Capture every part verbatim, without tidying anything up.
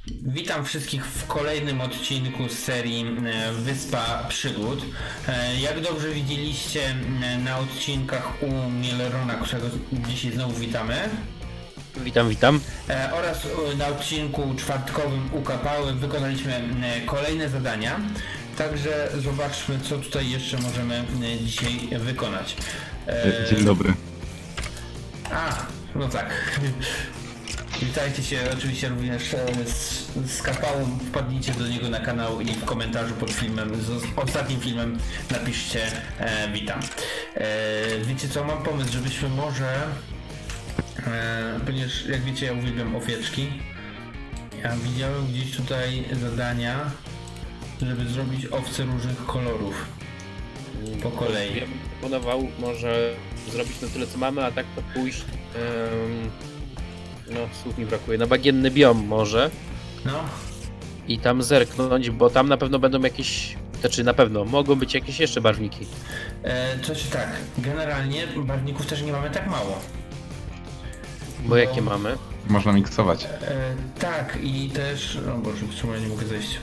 Witam wszystkich w kolejnym odcinku z serii e, Wyspa Przygód. E, Jak dobrze widzieliście e, na odcinkach u Mielerona, którego dzisiaj znowu witamy, Witam, witam. e, oraz e, na odcinku czwartkowym u Kapały wykonaliśmy e, kolejne zadania. Także zobaczmy, co tutaj jeszcze możemy e, dzisiaj wykonać. E, Dzień dobry. A, no tak. Witajcie się oczywiście również e, z, z Kapałą, wpadnijcie do niego na kanał i w komentarzu pod filmem, z ostatnim filmem napiszcie e, witam. E, wiecie co, mam pomysł, żebyśmy może, e, ponieważ jak wiecie ja uwielbiam owieczki, ja widziałem gdzieś tutaj zadania, żeby zrobić owce różnych kolorów po kolei. Ja bym proponował może zrobić na tyle co mamy, a tak to pójść, em, no słów mi brakuje, na bagienny biom może No, i tam zerknąć, bo tam na pewno będą jakieś, znaczy na pewno mogą być jakieś jeszcze barwniki. e, to czy tak, generalnie barwników też nie mamy tak mało. Bo jakie mamy? Można miksować. E, tak i też, o Boże, w sumie nie mogę zejść.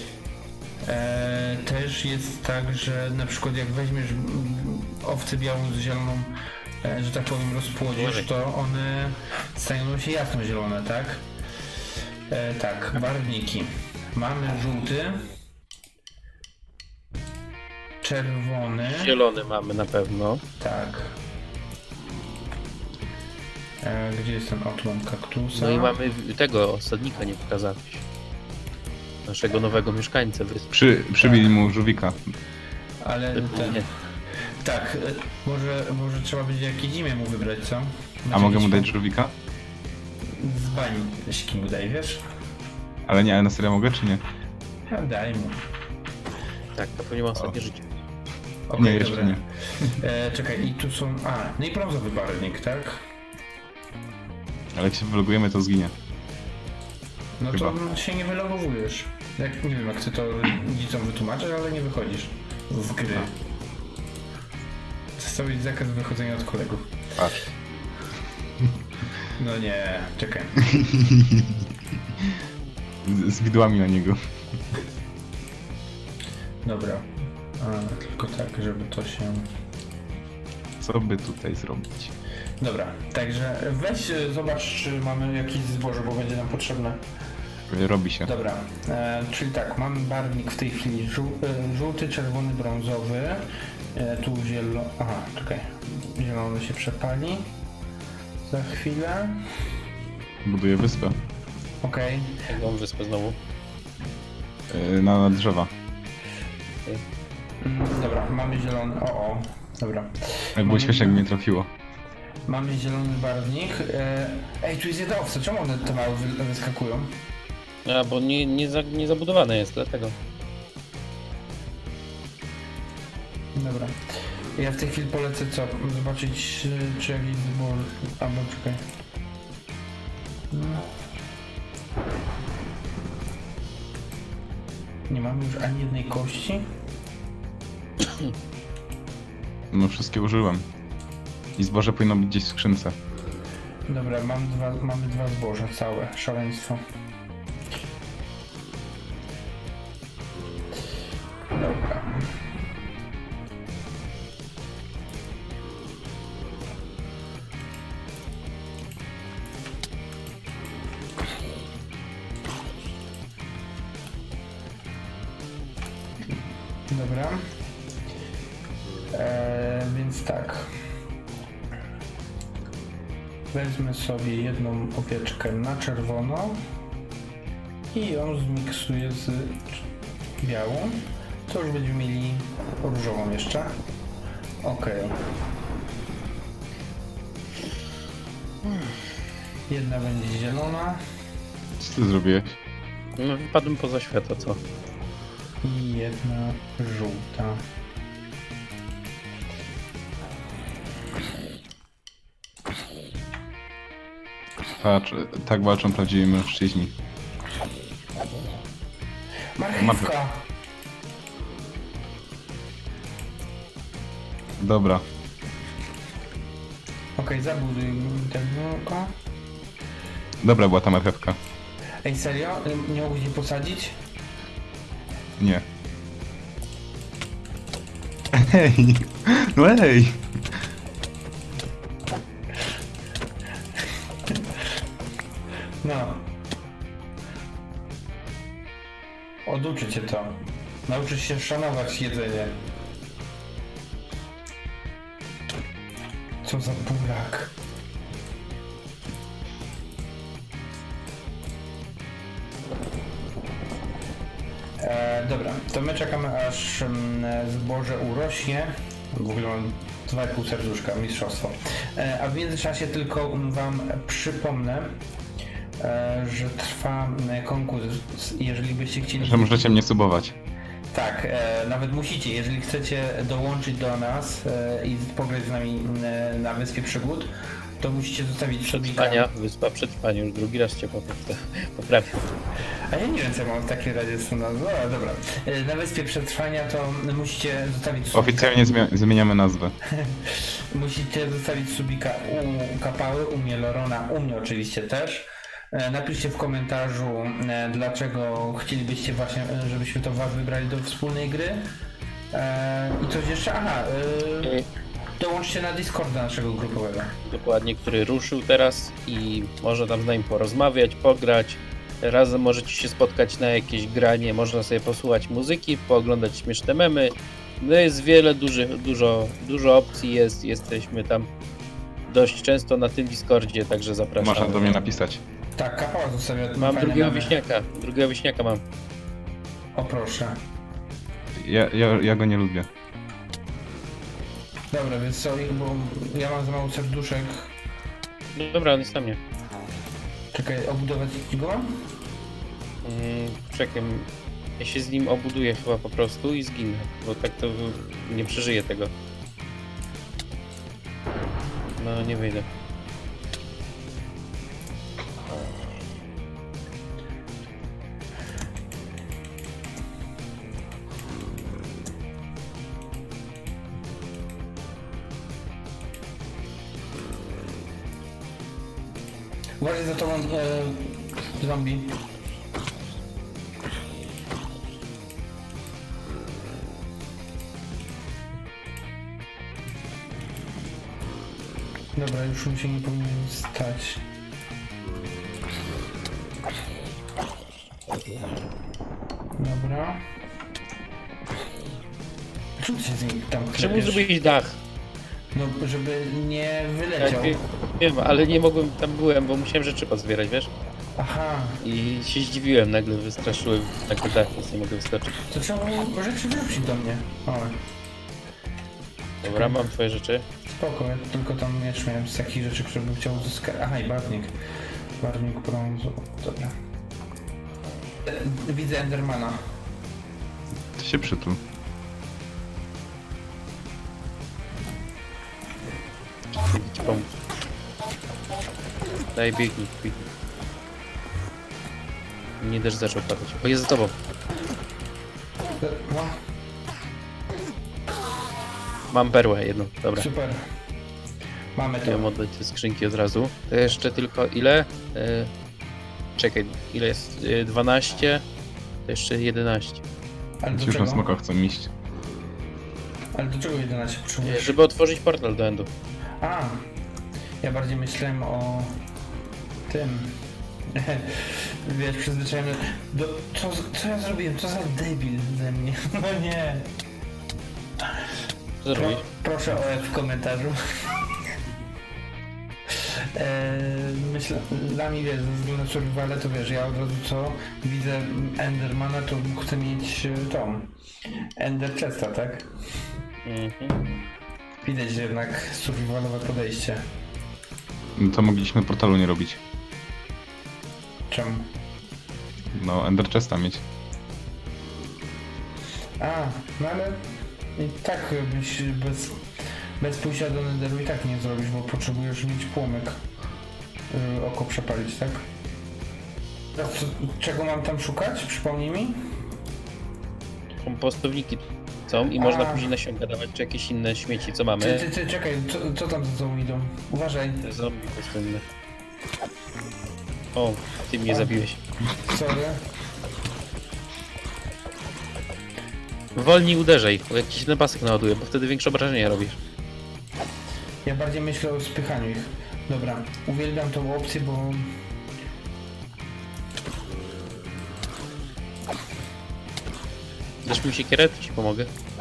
E, też jest tak, że na przykład jak weźmiesz mm, owcę białą z zieloną, e, że tak powiem rozpłodzisz, to one stają się jasno-zielone, tak? E, tak, barwniki. Mamy żółty, czerwony, Zielony mamy na pewno. tak. E, gdzie jest ten otlon kaktusa? No i mamy tego osadnika, nie pokazałeś. Naszego nowego mieszkańca wyspy. Przy, przybili mu żółwika. Ale ten, Nie. tak, e, może, może trzeba będzie jakieś imię mu wybrać, co? A Będzie mogę mu jakiś- dać żółwika? Z bani, jeśli mu daj, wiesz? Ale nie, ale na serio mogę czy nie? Ja daj mu. Tak, to pewnie ma ostatnie życie. Okej, Nie, jeszcze dobra. nie. E, czekaj, i tu są... A, no i brązowy barwnik, tak? Ale jak się wylogujemy, to zginie. No Chyba. to się nie wylogowujesz. Jak, nie wiem, jak chcę to dzieciom wytłumaczyć, ale nie wychodzisz z gry. Zostawić zakaz wychodzenia od kolegów. Patrz. No nie, czekaj. Z, z widłami na niego. Dobra. A, tylko tak, żeby to się... Co by tutaj zrobić? Dobra, także weź e, zobacz, czy mamy jakieś zboże, bo będzie nam potrzebne. Robi się. Dobra, e, czyli tak, mamy barwnik w tej chwili żół, e, żółty, czerwony, brązowy. E, tu zielony. Aha, czekaj. Zielony się przepali. Za chwilę. Buduję wyspę. Okej. Jak mam wyspę znowu? Yy, na, na drzewa. Mm, dobra, mamy zielony. O, o. Dobra. Jak było śmiesznie, jakby mnie trafiło. Mamy zielony barwnik. E, ej, tu jest jedna owca. Czemu one te małe wy, wyskakują? A, bo nie, nie, za, nie zabudowane jest, dlatego. Dobra. Ja w tej chwili polecę co? Zobaczyć e, czy jakiś zbór... Albo czekaj. No. Nie mamy już ani jednej kości? No wszystkie użyłem. I zboże powinno być gdzieś w skrzynce. Dobra, mam dwa, mamy dwa zboża całe. Szaleństwo. Dobra. Dobra. Eee, więc tak. Wezmę sobie jedną owieczkę na czerwono i ją zmiksuję z białą. To już będziemy mieli różową jeszcze. Ok. Jedna będzie zielona Co ty zrobiłeś? No wypadłem poza świata, co? i jedna żółta. Patrz, tak walczą prawdziwi mężczyźni. Marchewka! Dobra. Okej, zabuduj tego. Dobra była ta marchewka. Ej, serio? Nie mogłeś jej posadzić? Nie. Ej! No ej! No. Oduczy cię to. Nauczysz się szanować jedzenie. Co za burak. E, dobra, to my czekamy aż mm, zboże urośnie. W ogóle mam dwa i pół serduszka, mistrzostwo. E, a w międzyczasie tylko wam przypomnę, e, że trwa e, konkurs. Jeżeli byście chcieli... Że możecie mnie subować. Tak, e, nawet musicie, jeżeli chcecie dołączyć do nas e, i pograć z nami e, na Wyspie Przygód, to musicie zostawić subika. Przetrwania, wyspa przetrwania, już drugi raz cię poprawię. poprawię. A ja nie wiem, co ja mam w takiej razie z tym nazwą. No, dobra. E, Na Wyspie Przetrwania to musicie zostawić subika. Oficjalnie zmia- zmieniamy nazwę. Musicie zostawić subika u Kapały, u mnie Lorona, u mnie oczywiście też. E, Napiszcie w komentarzu, e, dlaczego chcielibyście właśnie, e, żebyśmy to was wybrali do wspólnej gry. E, I coś jeszcze? Aha, e, I dołączcie na Discorda naszego grupowego. dokładnie, który ruszył teraz i można tam z nami porozmawiać, pograć. Razem możecie się spotkać na jakieś granie, można sobie posłuchać muzyki, pooglądać śmieszne memy. No jest wiele, duży, dużo, dużo opcji jest, jesteśmy tam dość często na tym Discordzie, także zapraszam. Można do mnie napisać. Tak, Kapała zostawia Mam fajne drugiego memy. wieśniaka, drugiego wieśniaka mam. O proszę. Ja, ja, ja go nie lubię. Dobra, więc co, bo ja mam za mało serduszek. No dobra, on jest na mnie. Czekaj, obudować go mam? Mm, czekaj, ja się z nim obuduję chyba po prostu i zginę, bo tak to nie przeżyję tego. No nie wyjdę. Uważaj za tobą, e, zombie. Dobra, już mi się nie powinien stać. Dobra. Czemu ty się z nim tam Czemu klepiesz? zrobić dach? No, żeby nie Ja wyleciał. wiem, wiem, ale nie mogłem, tam byłem, bo musiałem rzeczy pozbierać, wiesz? Aha, I się zdziwiłem, nagle wystraszyłem, nagle dach, więc nie mogę wyskoczyć. to trzeba było rzeczy wrócić do mnie. O, Dobra, mam twoje rzeczy. spoko, ja tylko tam miecz miałem z takich rzeczy, które bym chciał uzyskać. Aha, i barwnik. Barwnik brązu, dobra. E, Widzę Endermana. To się przytul. Idę ci pomóc. Daj, biegnij, biegnij. Nie też zaczął padać. O, jest za tobą. E, No, Mam perłę jedną, dobra. super. Mamy to. Chciałem oddać te skrzynki od razu. To jeszcze tylko ile? E, czekaj, ile jest? E, dwanaście? To jeszcze jedenaście. Ale do Ci już na czego? smoka chcą iść. Ale do czego jedenaście E, potrzebujesz? żeby otworzyć portal do Endu. A, ja bardziej myślałem o tym. Wiesz, przyzwyczajony do... Co, co ja zrobiłem? Co za debil ze mnie? No nie. Co Pro, zrobić? proszę o F w komentarzu. Eee, myślę, dla mnie wiesz, ze względu na survivalę, to wiesz, ja od razu co widzę Endermana, to chcę mieć e, tą Ender Chesta, tak? Mhm. Widać że jednak survivalowe podejście. No to mogliśmy portalu nie robić. Czemu? No, Ender Chesta mieć. A, no ale i tak byś bez, bez pójścia do Netheru i tak nie zrobisz, bo potrzebujesz mieć płomyk, żeby oko przepalić, tak? Teraz co, czego mam tam szukać? Przypomnij mi? Kompostowniki są i A. można później nasionka dawać, czy jakieś inne śmieci, co mamy. Ty, ty, ty, czekaj, co, co tam za tobą idą? Uważaj. Te zombie pustynne. O, ty mnie zabiłeś. Sorry. Wolniej uderzaj, bo jakiś ten pasek naładuje, bo wtedy większe obrażenia robisz. Ja bardziej myślę o spychaniu ich. Dobra, uwielbiam tą opcję, bo... Dasz mi siekierę, to ci pomogę.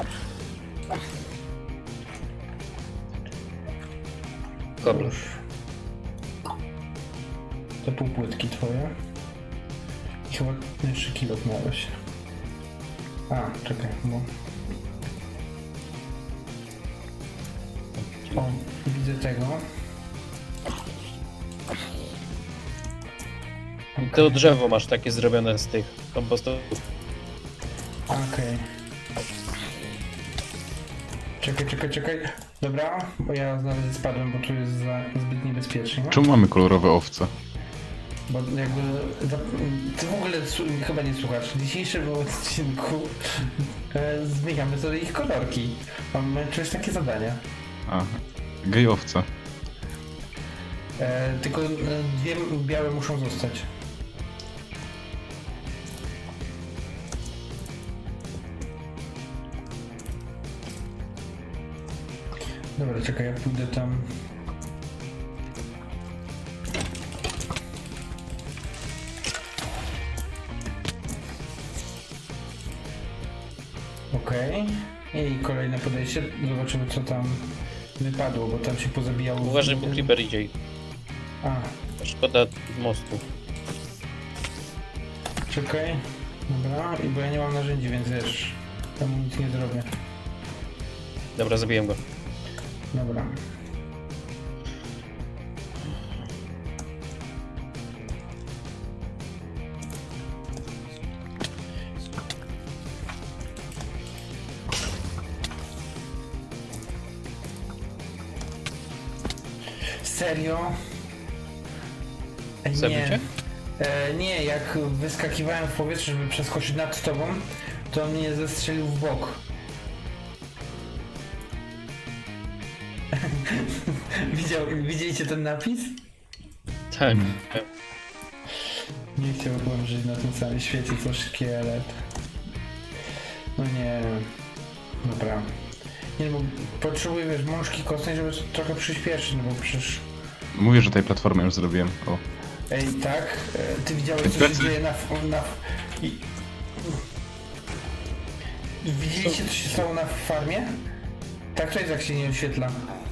Kobra. Już. Te półpłytki twoje. I chyba jeszcze kilo miałeś. A, czekaj, bo... O, widzę tego. To drzewo masz takie zrobione z tych kompostów. Okej. Czekaj, czekaj, czekaj. Dobra, bo ja nawet spadłem, bo tu jest za, zbyt niebezpiecznie. Czemu mamy kolorowe owce? Bo jakby... za- Ty w ogóle su- chyba nie słuchasz. W dzisiejszym odcinku e, zmieniamy sobie ich kolorki. Mamy czujesz takie zadania. A, gej owce. E, tylko e, dwie białe muszą zostać. Dobra, czekaj, ja pójdę tam. Okej. I kolejne podejście. Zobaczymy, co tam wypadło, bo tam się pozabijało. Uważaj, bo creeper idzie. A, Szkoda mostu. czekaj. Dobra, i bo ja nie mam narzędzi, więc wiesz, tam nic nie zrobię. Dobra, zabiłem go. Dobra. Serio? Ej, Zabił nie. cię? E, nie, jak wyskakiwałem w powietrze, żeby przeskoczyć nad tobą, to on mnie zestrzelił w bok. Widział, widzieliście ten napis? Tak. Nie chciałbym żyć na tym samym świecie co szkielet. No nie. Dobra. Nie, bo potrzebuję, wiesz, mążki kostnej, żeby trochę przyspieszyć, no bo przecież... Mówię, że tej platformy już zrobiłem. O. Ej, tak? E, Ty widziałeś, co się Plecy. dzieje na... na... I... Widzieliście, co się stało na farmie? Tak, to jest, jak się nie oświetla.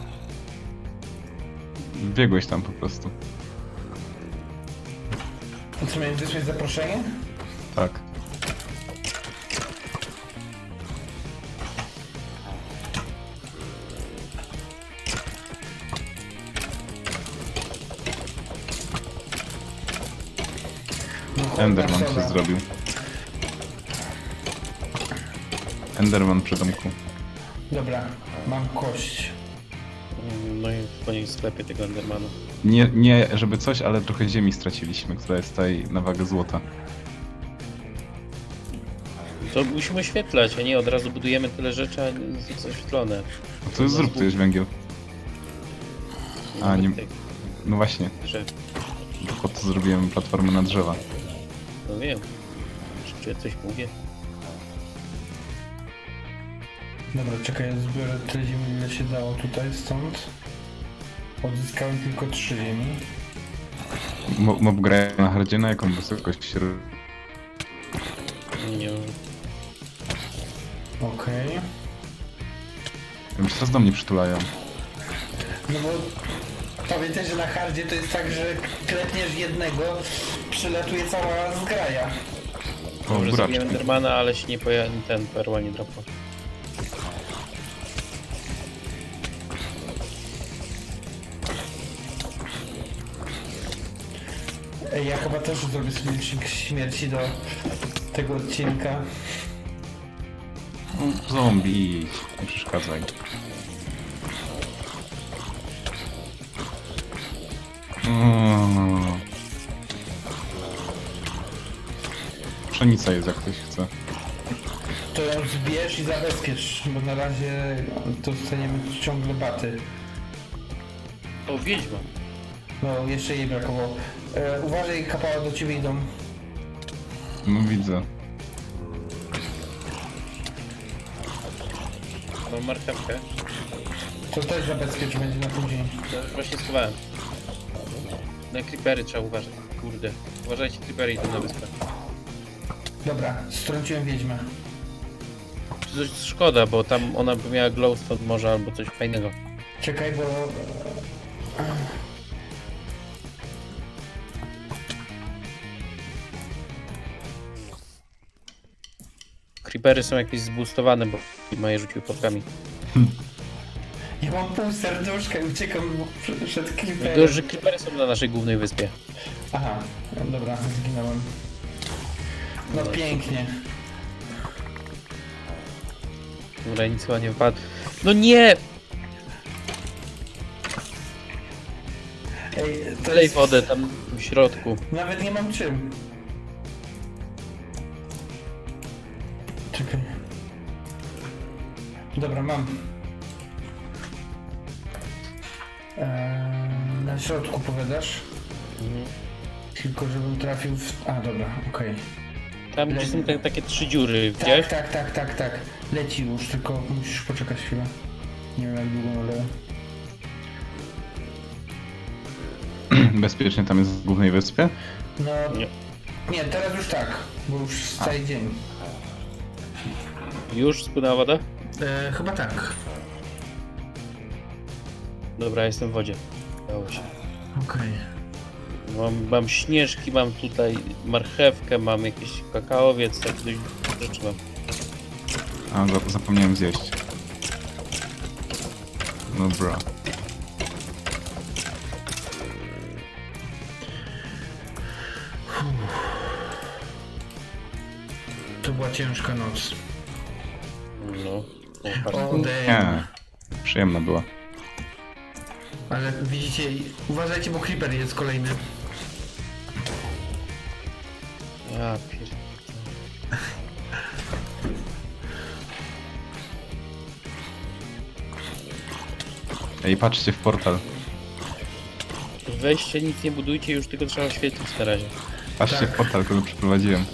Biegłeś tam po prostu. To co, miałem wysłać zaproszenie? Tak. No, cholera, Enderman soda. się zrobił. Enderman przy domku. Dobra, mam kość. No i po niej sklepie tego Endermana. Nie, nie, żeby coś, ale trochę ziemi straciliśmy, która jest tutaj na wagę złota. To musimy oświetlać, a nie od razu budujemy tyle rzeczy, a nie jest oświetlone. No to jest, zrób, to jest węgiel. A, nie- Nawet tych No właśnie, drzew. po to zrobiłem platformę na drzewa. No wiem. Czy ja coś mówię? Dobra, czekaj, ja zbiorę tyle ziemi, ile się dało tutaj, stąd. Odzyskałem tylko trzy ziemi. Mo- Mob gra na hardzie, na jaką wysokość? ro- Nie. Okej. Już teraz do mnie przytulają. No bo pamiętaj, że na hardzie to jest tak, że klepniesz jednego, przylatuje cała zgraja. O, Może buraczki. zabiłem Endermana, ale się nie poja... ten perła nie dropła. Ej, ja chyba też zrobię sobie licznik śmierci do tego odcinka. O, zombie, idź, nie przeszkadzaj. O. Pszenica jest, jak ktoś chce. To ją zbierz i zabezpiecz, bo na razie dostaniemy ciągle baty. O, wiedźma. No, jeszcze jej brakowało. E, uważaj, kapała do ciebie idą. No widzę. Mam marchewkę. To też zabezpiecz, będzie na później. To już właśnie schowałem. Na creepery trzeba uważać. Kurde. Uważajcie, creepery idą na wyspę. Dobra, strąciłem wiedźmę. Coś szkoda, bo tam ona by miała glowstone może albo coś fajnego. Czekaj, bo... Creepery są jakieś zboostowane, bo ma je rzucił podkami. Ja mam pół serduszka i uciekam przed- przed Tylko, creeperem. że creepery są na naszej głównej wyspie. Aha, dobra, zginąłem. No pięknie. Dobra, nic chyba nie wypadło. No nie! Ej, to Lej jest... wodę tam w środku. Nawet nie mam czym. Czekaj. Dobra, mam. Eee, na środku powiadasz? Mhm. Tylko żebym trafił w... A, dobra, okej. Tam gdzie są te, takie trzy dziury, widziałeś? Tak, tak, tak, tak, tak. Leci już, tylko musisz poczekać chwilę. Nie wiem jak długo, ale... Bezpiecznie tam jest w głównej wyspie? No... Nie. Nie, teraz już tak, bo już cały dzień. Już spłynęła woda? E, chyba tak. Dobra, jestem w wodzie. Dało się. Okej. Mam, mam śnieżki, mam tutaj marchewkę, mam jakieś kakaowiec, tak dość rzeczy mam. A, za- zapomniałem zjeść. Dobra. To była ciężka noc. No. O, patrz. O, damn. Nie. Przyjemna była. Ale widzicie, uważajcie, bo creeper jest kolejny. Ja pier... Ej, patrzcie w portal. Weźcie, nic nie budujcie, już tylko trzeba świecić na razie. Patrzcie Tak. w portal, który przeprowadziłem.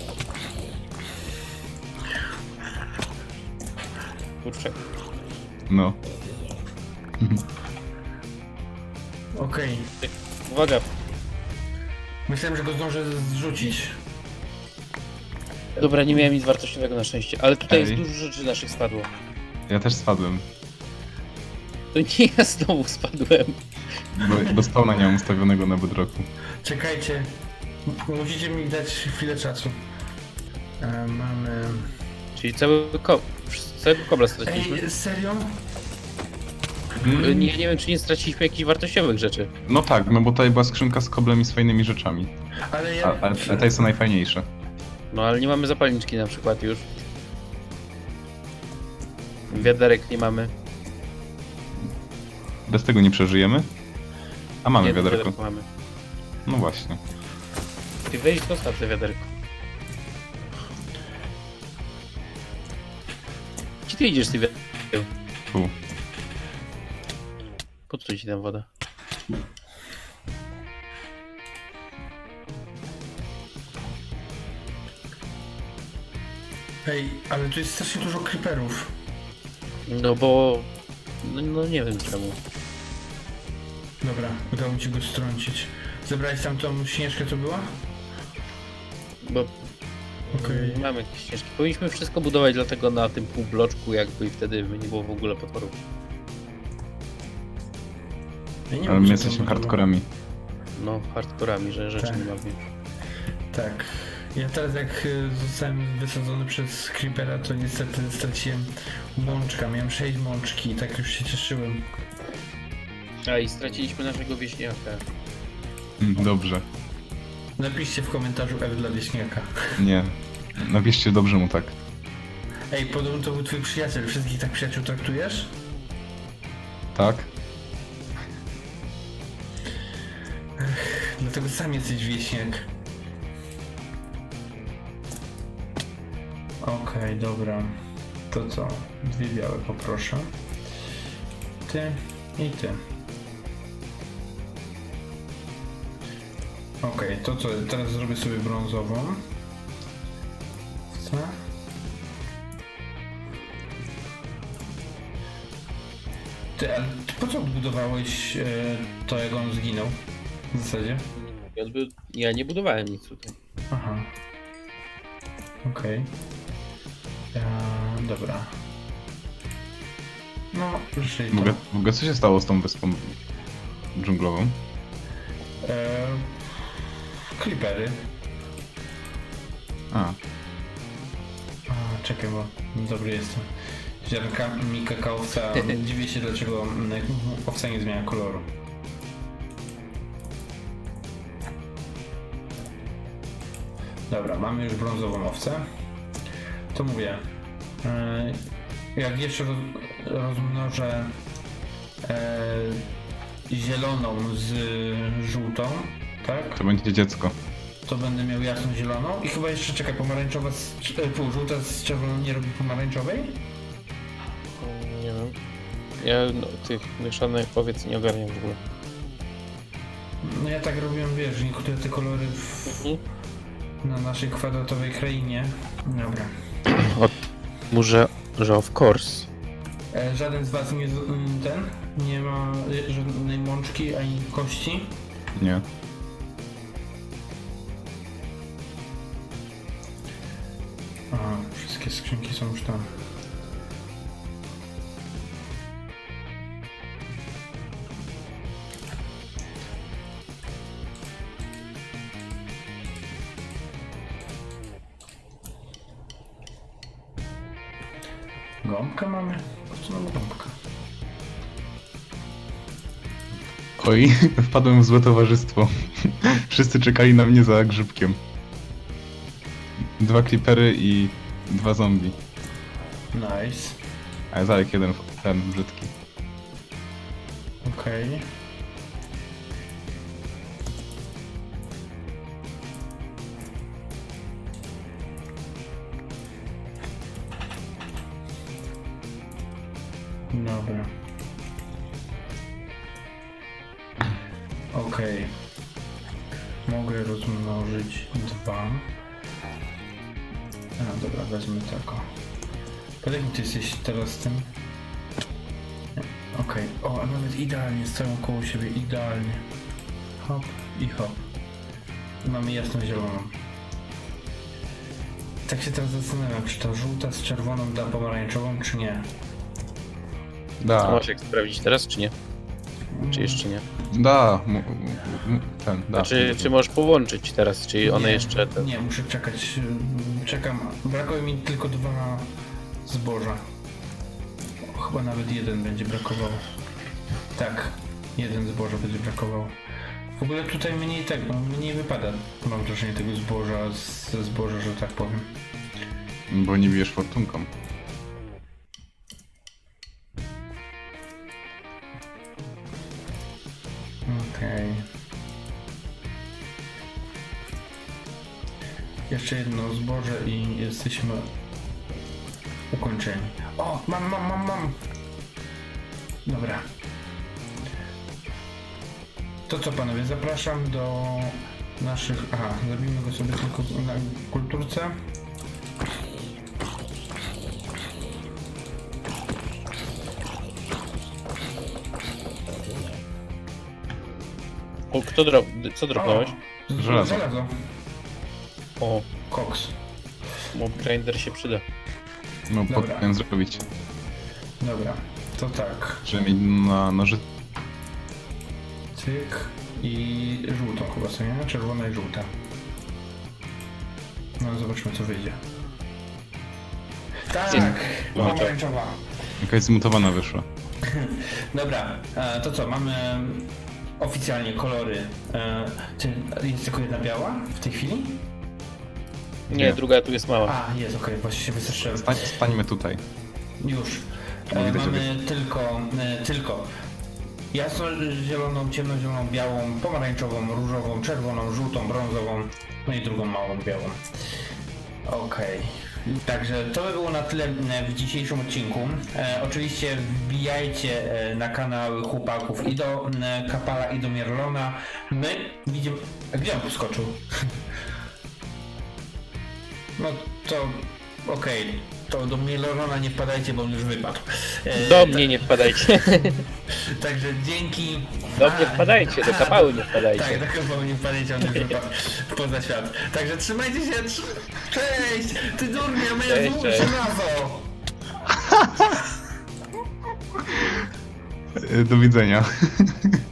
Kurczę. No. Okej. Uwaga, Myślałem, że go zdążę zrzucić. dobra, nie miałem nic wartościowego na szczęście, ale tutaj Ej. jest dużo rzeczy naszych spadło. Ja też spadłem. To nie ja znowu spadłem. Bo, bo spawna nie mam ustawionego na bedrocku. Czekajcie. M- Musicie mi dać chwilę czasu. E, mamy... Czyli cały ko... całego kobla straciliśmy. Ej, serio? Y, Nie, nie wiem, czy nie straciliśmy jakichś wartościowych rzeczy. No tak, no bo tutaj była skrzynka z koblem i z fajnymi rzeczami. Ale A, ja... a, a te są najfajniejsze. No ale nie mamy zapalniczki na przykład już. Wiaderek nie mamy. Bez tego nie przeżyjemy? A mamy Jedno wiaderko. mamy. No właśnie. Ty weź dostaw te wiaderko. Gdzie ty idziesz z tym wiaderkiem? Tu. Po co ci tam woda? Ej, ale tu jest strasznie dużo creeperów. No bo... No, no nie wiem czemu. Dobra, udało mi się go strącić. Zebrałeś tam tą śnieżkę, co była? Bo Okej. mamy jakieś ścieżki. Powinniśmy wszystko budować dlatego na tym półbloczku jakby i wtedy by nie było w ogóle potworów. Ja nie Ale wiem, my co jesteśmy to było. hardcorami. No, hardcorami, że rzeczy Tak. nie mamy. Tak. Ja teraz jak y, zostałem wysadzony przez creepera, to niestety straciłem mączka. Miałem sześć mączki i tak już się cieszyłem. A i straciliśmy naszego wieśniaka. Mm, Dobrze. Napiszcie w komentarzu F dla wieśniaka. Nie. Napiszcie dobrze mu tak. Ej, podobno to był twój przyjaciel. Wszystkich tak przyjaciół traktujesz? Tak? Dlatego sam jesteś wieśniak. Okej, dobra. To co? Dwie białe poproszę. Ty i ty. Okej, to co, teraz zrobię sobie brązową. Co? Ty, ale ty po co odbudowałeś e, to, jak on zginął? W zasadzie? Ja odby- Ja nie budowałem nic tutaj. Aha. Okej. Okay. Dobra. No, żyj W ogóle, w ogóle co się stało z tą wyspą dżunglową? E, Creepery. A, A, czekaj, bo dobry jestem. Ziarnkami kakaowca. Dziwię się, dlaczego mm, owca nie zmienia koloru. Dobra, mamy już brązową owcę. To mówię. e, Jak jeszcze roz, rozmnożę e, zieloną z żółtą, tak? to będzie dziecko. To będę miał jasno zieloną i chyba jeszcze czekaj, pomarańczowa z, e, pół żółta z czerwoną nie robi pomarańczowej? Nie wiem. Ja no, tych mieszanych powiedz nie ogarniam w ogóle. No ja tak robiłem, wiesz, niektóre te kolory w, Mhm. na naszej kwadratowej krainie. Dobra. Może, że of course. E, żaden z was nie z- m, ten, nie ma e, żadnej mączki ani kości. Nie. Aha, wszystkie skrzynki są już tam. Gąbkę mamy? Po co mamy gąbkę? Oj, wpadłem w złe towarzystwo. Wszyscy czekali na mnie za grzybkiem. Dwa creepery i dwa zombie. Nice. A Zarek jeden, ten brzydki. Okej. Dobra. Okej. Mogę rozmnożyć dwa. A, dobra, wezmę tako. Podaj mi, ty jesteś teraz tym. Nie. Okej. O, a nawet idealnie, stoją koło siebie, idealnie. Hop i hop. Mamy jasno zieloną. Tak się teraz zastanawiam, czy ta żółta z czerwoną da pomarańczową, czy nie. A Da, masz jak sprawdzić teraz, czy nie? Czy jeszcze nie? da, mu- mu- ten, da. Znaczy, czy możesz połączyć teraz, czy one Nie, jeszcze... Ten... Nie, muszę czekać. ym, Czekam. Brakuje mi tylko dwa zboża. O, chyba nawet jeden będzie brakowało. Tak, jeden zboża będzie brakowało. W ogóle tutaj mniej tego, mniej wypada. Mam wrażenie tego zboża z- ze zboża, że tak powiem. Bo nie bijesz fortunką. Okej. Jeszcze jedno zboże i jesteśmy ukończeni. O, mam, mam, mam, mam. Dobra. To co panowie, zapraszam do naszych... Aha, zrobimy go sobie tylko na kulturce. O, kto drop... Co dropnąłeś? O, z- Żelazo. Żelazo. O, Koks. mob grinder się przyda. No, Dobra. powinien zrobić. Dobra, to tak. Żeby mieć na noży... Cyk i żółtą chyba sobie, nie? Czerwona i żółta. No zobaczmy co wyjdzie. Tak! No, Pomarańczowa. Jakaś zmutowana wyszła. Dobra, e, to co, mamy oficjalnie kolory. E, czy jest tylko jedna biała w tej chwili? Nie, Nie. druga tu jest mała. A, jest, okej, właśnie się wystraszyłem. Stań, stańmy tutaj. Już. No, E, widać, mamy tylko, e, tylko jasno-zieloną, ciemnozieloną, białą, pomarańczową, różową, czerwoną, żółtą, brązową, no i drugą małą białą. Okej. Także to by było na tyle e, w dzisiejszym odcinku. E, oczywiście wbijajcie e, na kanały chłopaków i do e, Kapala i do Mierlona. My widzimy... Gdzie on poskoczył? No to okej, to do Mierlona nie wpadajcie, bo on już wypadł. E, Do mnie nie wpadajcie. Także dzięki. Do mnie A, wpadajcie, do kapały nie Tak, wpadajcie. do kapały nie wpadajcie, on już wypadł poza świat. Także trzymajcie się. trz- Cześć! Ty durnie, moja Cześć, złóż cześć. żelazo! Do widzenia.